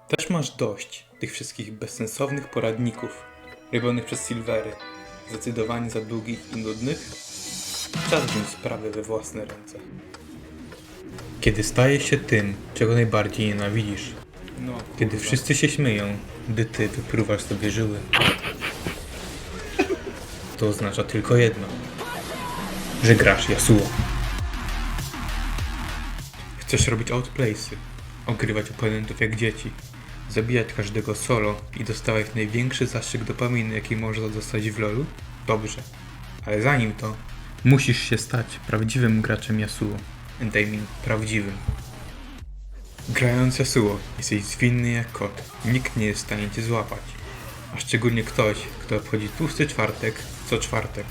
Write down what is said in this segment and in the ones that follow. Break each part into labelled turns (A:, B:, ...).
A: Też masz dość tych wszystkich bezsensownych poradników robionych przez Silvery, zdecydowanie za długich i nudnych? Czas wziąć sprawę we własne ręce. Kiedy stajesz się tym, czego najbardziej nienawidzisz, kiedy wszyscy się śmieją, gdy ty wypruwasz sobie żyły, to oznacza tylko jedno, że grasz Yasuo. Chcesz robić outplaysy, ogrywać oponentów jak dzieci, zabijać każdego solo i dostawać największy zastrzyk dopaminy, jaki można dostać w LoLu? Dobrze, ale zanim to, musisz się stać prawdziwym graczem Yasuo. And I mean prawdziwym. Grając Yasuo, jesteś zwinny jak kot. Nikt nie jest w stanie cię złapać. A szczególnie ktoś, kto obchodzi tłusty czwartek co czwartek.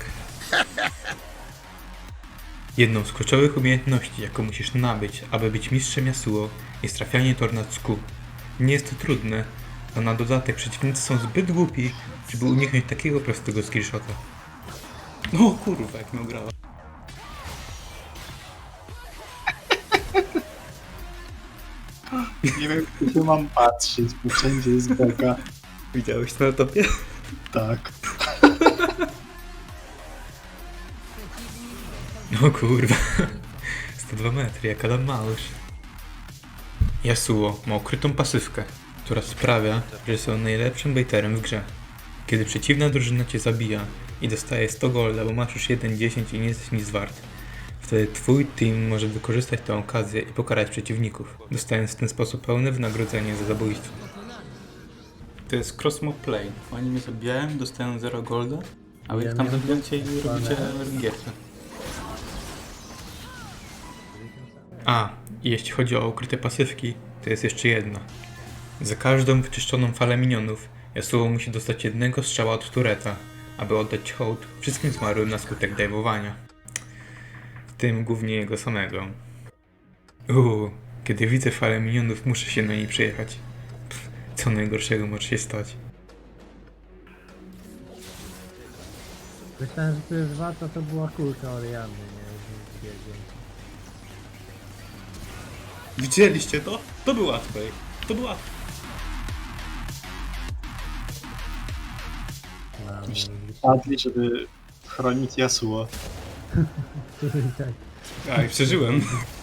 A: Jedną z kluczowych umiejętności, jaką musisz nabyć, aby być mistrzem Yasuo, jest trafianie tornad z kół. Nie jest to trudne, a na dodatek przeciwnicy są zbyt głupi, żeby uniknąć takiego prostego skillshota. O kurwa, jak mi grała.
B: Nie wiem, gdzie mam patrzeć, bo wszędzie jest beka.
A: Widziałeś to na topie?
B: Tak.
A: O kurwa. 102 metry, jak Adam Małysz. Yasuo ma ukrytą pasywkę, która sprawia, że są najlepszym baiterem w grze. Kiedy przeciwna drużyna cię zabija i dostaje 100 golda, bo masz już 1-10 i nie jesteś nic wart, wtedy twój team może wykorzystać tę okazję i pokarać przeciwników, dostając w ten sposób pełne wynagrodzenie za zabójstwo. To jest cross-mob play. Oni mnie zabijają, dostają 0 golda, a wy ich tam zabijacie i robicie RNG-kę. A, i jeśli chodzi o ukryte pasywki, to jest jeszcze jedna. Za każdą wyczyszczoną falę minionów, Yasuo musi dostać jednego strzała od tureta, aby oddać hołd wszystkim zmarłym na skutek dajwowania. W tym głównie jego samego. Kiedy widzę falę minionów, muszę się na niej przejechać. Co najgorszego może się stać.
C: Myślałem, że to jest wata, to była kulka Orianny, nie?
A: Widzieliście to? To było łatwe. To było łatwe.
B: Padli, żeby chronić Yasuo.
C: Tak.
A: A, i przeżyłem.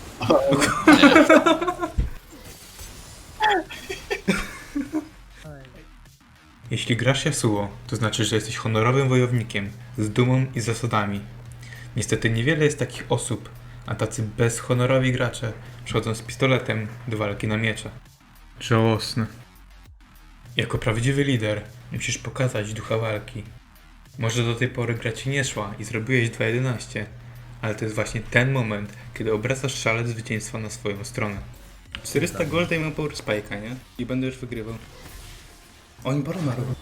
A: Jeśli grasz Yasuo, to znaczy, że jesteś honorowym wojownikiem, z dumą i zasadami. Niestety niewiele jest takich osób, a tacy bezhonorowi gracze przychodzą z pistoletem do walki na miecze. Żałosne. Jako prawdziwy lider musisz pokazać ducha walki. Może do tej pory gra ci nie szła i zrobiłeś 2.11, ale to jest właśnie ten moment, kiedy obracasz szalec zwycięstwa na swoją stronę. 400 golda i mam power spike'a, nie? I będę już wygrywał. Oni barona robią.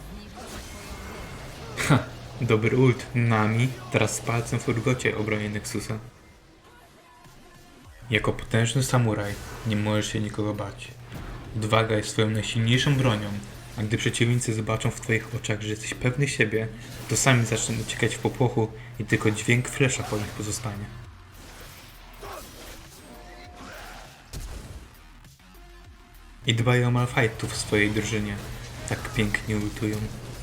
A: Ha! Dobry ult. Nami, teraz z palcem w urgocie obronię Nexusa. Jako potężny samuraj nie możesz się nikogo bać. Odwaga jest twoją najsilniejszą bronią, a gdy przeciwnicy zobaczą w twoich oczach, że jesteś pewny siebie, to sami zaczną uciekać w popłochu i tylko dźwięk flesza po nich pozostanie. I dbaj o malfightów w swojej drużynie. Tak pięknie ultują.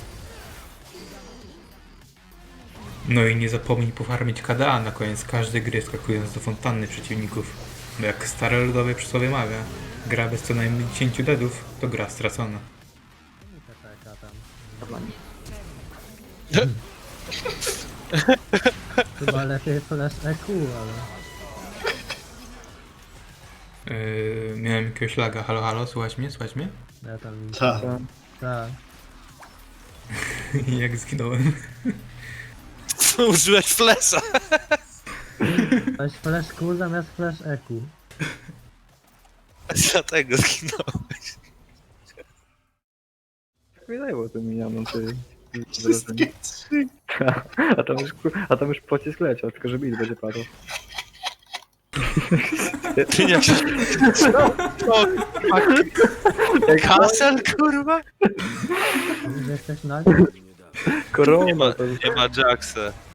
A: No i nie zapomnij pofarmić KDA na koniec każdej gry, skakując do fontanny przeciwników. Bo jak stare ludowe przysłowie mawia, gra bez co najmniej 10 deadów to gra stracona.
C: Chyba lepiej flash EQ, ale...
A: Miałem jakiegoś laga. Halo, halo, słuchaj mnie, słuchaj mnie?
C: Ja tam...
B: Tak.
C: Tak.
A: Jak zginąłem.
D: Użyłeś flesza!
C: Weź flash Q zamiast flash EQ.
D: Dlatego zginąłeś.
E: Wydajło to minianą, ty.
B: Wszystkie trzy.
E: A tam już pocisk leciał, tylko że bit będzie padał.
D: Ty nie się... Kasel, kurwa?
C: Mówisz, że jesteś nagi?
E: Korona to
D: Nie ma Jacksa.